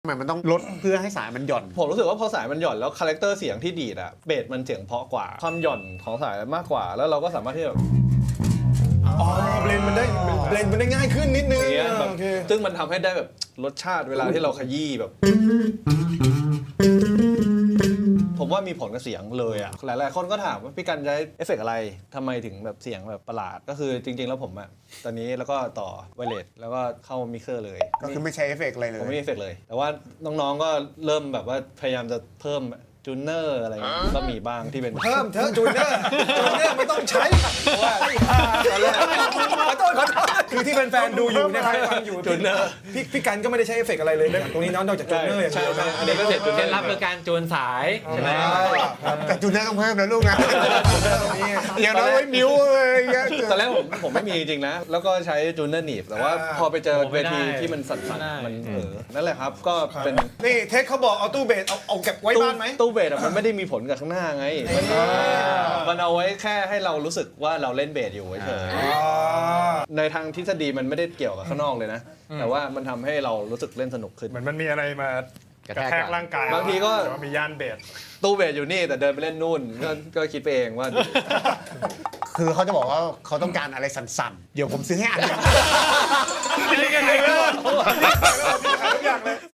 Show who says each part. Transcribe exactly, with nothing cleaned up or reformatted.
Speaker 1: ทำไมมันต้องลดเพื่อให้สายมันหย่อน
Speaker 2: ผมรู้สึกว่าพอสายมันหย่อนแล้วคาแรคเตอร์เสียงที่ดีดอะเบสมันเสียงเพราะกว่าความหย่อนของสายมากกว่าแล้วเราก็สามารถที่จะ
Speaker 3: อ๋อเบลนมันได้เบลนมันได้ง่ายขึ้นนิดนึง
Speaker 2: แบบซึ่งมันทำให้ได้แบบรสชาติเวลาที่เราขยี้แบบผมว่ามีผลกับเสียงเลยอ่ะหลายๆคนก็ถามว่าพี่กันใช้เอฟเฟกต์อะไรทำไมถึงแบบเสียงแบบประหลาดก็คือจริงๆแล้วผมอ่ะตอนนี้แล้วก็ต่อไวเลสแล้วก็เข้ามิกเซอร์เลย
Speaker 1: ก็คือไม่ใช้เอฟเฟกต์อะไรเลย
Speaker 2: ผมไม่มีเอฟเฟกต์เลยแต่ว่าน้องๆก็เริ่มแบบว่าพยายามจะเพิ่มจูเนอร์อะไรเงี้ยก็มีบ้างที่เป็น
Speaker 3: เพิ่มเถอะจูเนอร์จูเนอร์ไม่ต้องใช้เพราะว่าตอนแรกขอโทษขอโทษคือที่แฟนๆดูอยู่เนี่ยใครฟังอยู่จูเนอร์พี่พี่กันก็ไม่ได้ใช้เอฟเฟกต์อะไรเลยตรงนี้นอกจากจูเนอร์อย่างเดียว
Speaker 2: อันนี้ก็เสร็จจูเนอร์
Speaker 4: รับคือการจูนสายใช่ไหม
Speaker 1: แต่จูเนอร์ต้องเพิ่มนะลูกนะอย่างน้อยไว้นิ้วอะไรเงี้ย
Speaker 2: ตอนแรกผมผมไม่มีจริงๆนะแล้วก็ใช้จูเนอร์หนีบแต่ว่าพอไปเจอเวทีที่มันสั่นๆมันเออนั่นแหละครับก็เป็น
Speaker 3: นี่เทคเขาบอกเอาตู้เบสเอาเอาเก็บไว้บ้านไหม
Speaker 2: ตู้เบสมันไม่ได้มีผลกับข้างหน้าไงมันเอาไว้แค่ให้เรารู้สึกว่าเราเล่นเบสอยู่เฉยในทางทฤษฎีมันไม่ได้เกี่ยวกับข้างนอกเลยนะแต่ว่ามันทำให้เรารู้สึกเล่นสนุกขึ้น
Speaker 5: เหมือนมันมีอะไรมากระแทกร่างกาย
Speaker 2: บางทีก็
Speaker 5: มีย่านเบส
Speaker 2: ตู้เบสอยู่นี่แต่เดินไปเล่นนู่นก็ก็คิดไปเองว่า
Speaker 1: คือเขาจะบอกว่าเขาต้องการอะไรสั่นๆเดี๋ยวผมซื้อให้อันนึง